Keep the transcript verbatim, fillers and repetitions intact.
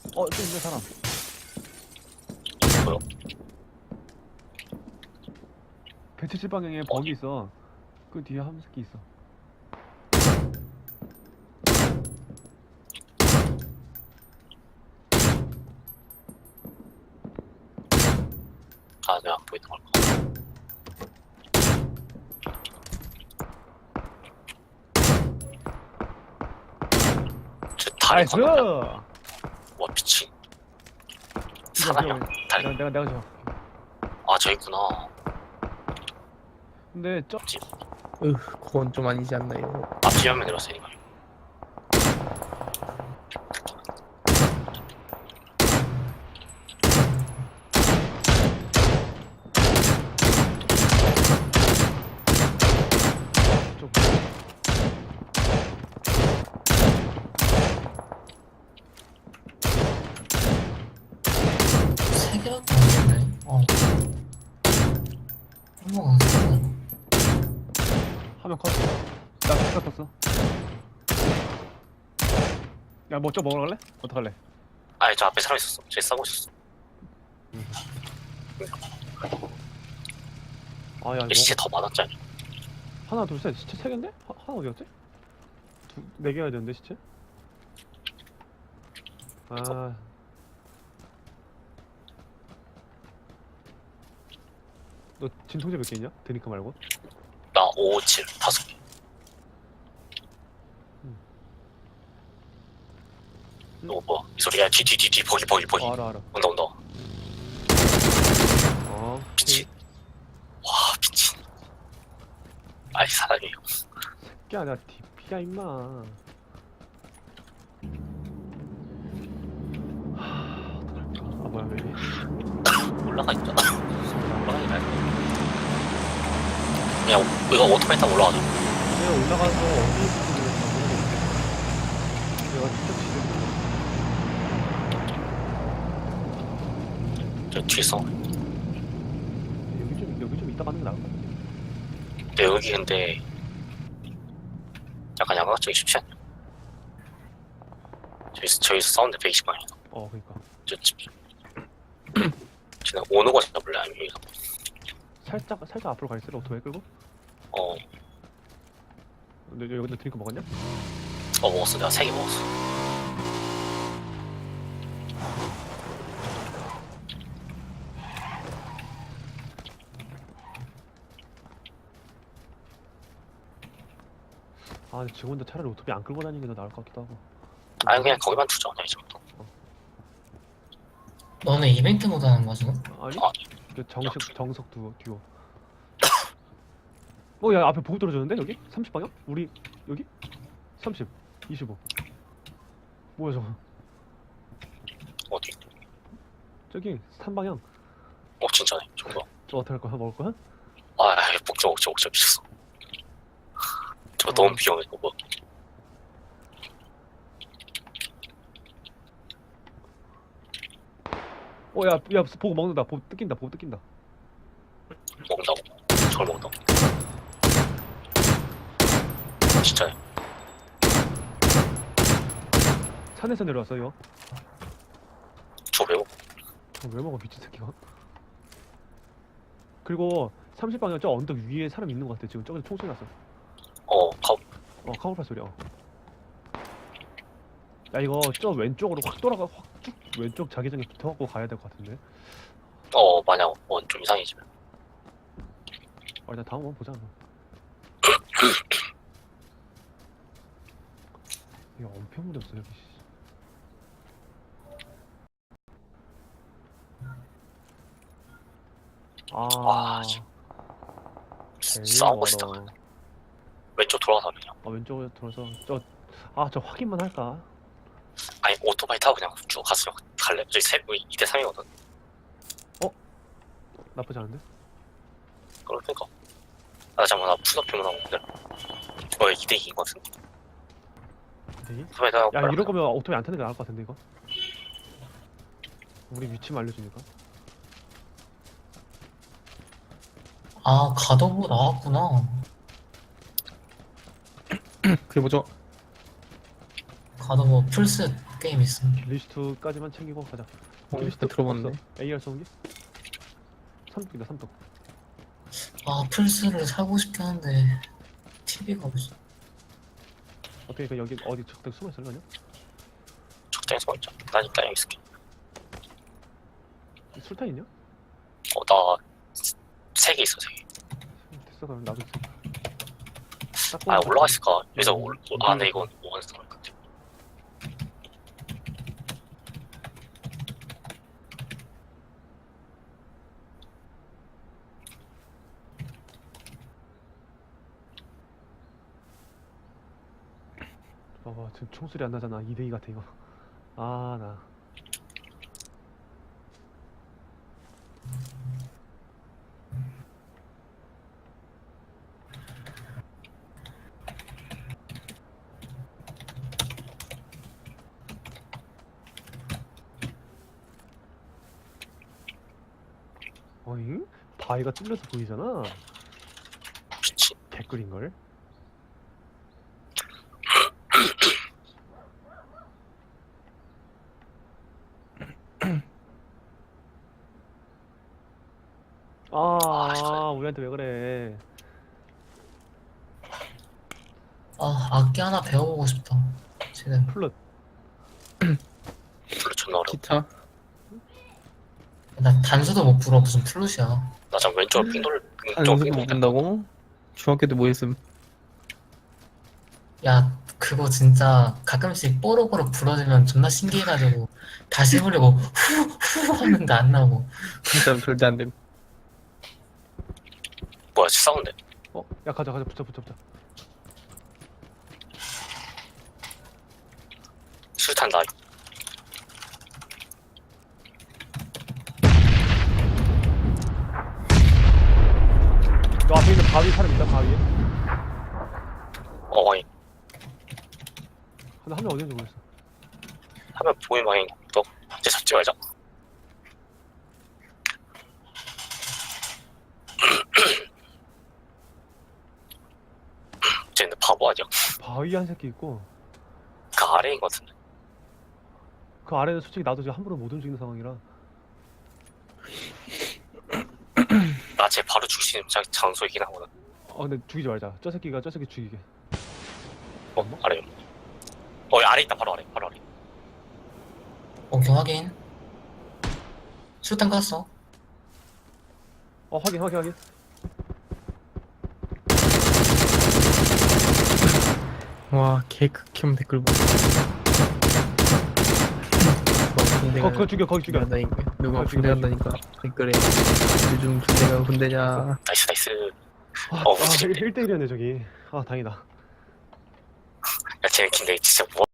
어, 또 있네, 사람. 뭐요? 배치칠 방향에 버기 있어. 그 뒤에 한 새끼 있어. 아, 내가 안 보이는 걸까? 저 다리 나이스! 건너면 이거, 와 미친 사람이야 이거, 다리. 내가, 내가, 내가 줘. 아 저 있구나. 근데, 저, 앞집 으, 그건 좀 아니지 않나요? 앞집 한명 내렸으니까. 쪽. 세 개밖에 안 되네. 어. 한번 갔어. 화면 컷. 나 스카 떴어. 야, 뭐, 저 먹으러 갈래? 어떡할래? 아니 저 앞에 사람 있었어. 쟤 싸고 있었어. 아, 야, 근데 이거. 시체 더 많았잖아. 하나, 둘, 셋. 시체 세 개인데? 하, 하나 어디 갔지? 두, 네 개여야 되는데, 시체? 아. 너 진통제 몇 개 있냐? 드니까 말고. 나 오, 칠 다섯 개. 음. 이거 뭐야? 이 소리야. 뒤 뒤 뒤 뒤 버기 버기 버기. 어, 알아, 알아. 온다 온다. 어. 미친. 와 미친. 아이 사람이. 새끼야, 나 디피야, 임마. 하, 어떡할까? 아, 뭐야, 왜 이래? 올라가 있잖아. 올라가기 날. 그냥 이거 오토바이 타고 올라가자. 내가 올라가서 어디 있는지 모르겠어. 내가 직접 지금 저 뒤에 서. 여기 좀 여기 좀 이따 가는 게 나을 것 같아. 근데 여기 근데 약간 양각적이 쉽지 않냐? 저기서 저기서 사운드 백이십 방이야. 어, 그러니까 저 집. 쟤는 오는 거 잡을래 아니면 여기서? 살짝 살짝 앞으로 가 있으래 오토바이 끌고. 어, 근데 여기 너 드링크 먹었냐? 어 먹었어. 내가 세 개 먹었어. 아, 근데 지금 혼자 차라리 오토바이 안 끌고 다니는 게 더 나을 것 같기도 하고. 아니 그냥 거기만 두자. 그냥 이 정도. 너네 이벤트 모드 하는 거야, 지금? 아니? 아, 그 정식 정석 듀오 듀오. 어, 야, 앞에 보고 떨어졌는데 여기? 삼십 방향? 우리 여기? 삼십, 이십오. 뭐야 저거? 어디? 저기 삼 방향. 어 진짜네. 정도. 저 어떻게 할 거야? 먹을 거야? 아, 먹자 먹자 먹자 미쳤어. 저 너무 비용해 이거 뭐. 어, 야, 야, 보고 먹는다. 보고 뜯긴다. 보고 뜯긴다. 먹는다고? 저걸 먹는다고? 진짜요? 산에서 내려왔어 이거. 저 왜 먹? 저거 왜 먹어 미친 새끼가? 그리고 삼십 방향 저 언덕 위에 사람 있는 것 같아 지금. 저기서 총소리 났어. 어, 가. 어, 카우팔 소리야. 어. 야, 이거 저 왼쪽으로 확 돌아가 확 쭉 왼쪽 자기장에 붙어갖고 가야 될 것 같은데. 어, 만약 원 좀 이상해지면. 어, 일단 다음 번 보자. 이거 엄청 무렵어 여기. 씨. 아, 와, 씨. 제일 싸우고 있다. 멀어. 왼쪽 돌아가서 그냥. 아, 왼쪽으로 돌아서 저, 아, 저 확인만 할까? 아니 오토바이 타고 그냥 쭉 가서 갈래? 저기 세, 이 대 삼이거든. 나쁘지 않은데? 그러니까. 아 잠깐만 나 푸드업표만 하고 있는데. 어, 이 대 이인 것 같은데. 되게? 오토바이 타고. 야, 이럴 거면 오토바이 안 타는 게 나을 것 같은데 이거? 우리 위치만 알려주니까. 아, 가더보 나왔구나. 그게 뭐죠? 가더보 풀셋 게임 있음. 리스트까지만 챙기고 가자. 어, 일단 들어봤네. 없어. 에이알 쏘기? 삼뚝이다 삼뚝. 아, 플스를 사고 싶긴 한데 티비가 없어. 어떻게 그 여기 어디 적당 숨어 있을려냐? 적당히 서 있자. 난 일단 여기 있을게. 술탄 있냐? 어, 나 세 개 있어, 세 개. 됐어 그럼 나도 있어. 아, 올라가 있을까? 여기서 음, 올, 아, 근데 이건 원스톤 같아. 봐봐 지금 총소리 안 나잖아. 이 대 이 같아 이거. 아 나. 어잉? 바위가 뚫려서 보이잖아. 미친. 개꿀인걸? 아, 우리한테 왜 그래? 아, 악기 하나 배워보고 싶다. 지금 플룻. 별로 존나 어려워. 기타. 나 단수도 못 불어. 무슨 플룻이야. 나 지금 왼쪽으로 삥 돌, 안 왼쪽 연습 삥 못 돌. 본다고? 중학교 때 뭐 했음? 야, 그거 진짜 가끔씩 뽀록뽀록 불어주면 존나 신기해가지고 다시 해보려고 후후 하는데 안 나오고. 진짜 절대 안 됨. 뭐야, 싸운데. 어? 야 가자 가자 붙자 붙자 붙자. 술탄 나. 너 앞에 있는 바위 사람 있다 바위에. 어, 아니. 근데 한 명 어디 있는지 모르겠어. 하면 보인 방향 너 이제 잡지 말자. 쟤는 바보 아니야? 바위 한 새끼 있고 그 아래인 것 같은데. 그 아래는 솔직히 나도 지금 함부로 못 움직이는 상황이라. 나 쟤 바로 죽일 수 있는 장- 장소이긴 하거든. 어 근데 죽이지 말자. 저 새끼가 저 새끼 죽이게. 어, 아래. 어, 아래 있다. 바로 아래. 바로 아래. 오케이, 확인. 술탄 깠어. 어 확인 확인 확인. 와, 개 극혐 댓글 봐. 누가 거, 그거 죽여 거기 죽여. 군대 간다니까. 누가 그거 군대 죽여, 간다니까. 댓글에 요즘 군대가 군대냐. 나이스, 나이스. 아, 어, 아 일 대 일이었네 저기. 아 다행이다. 야, 쟤 근데 진짜 뭐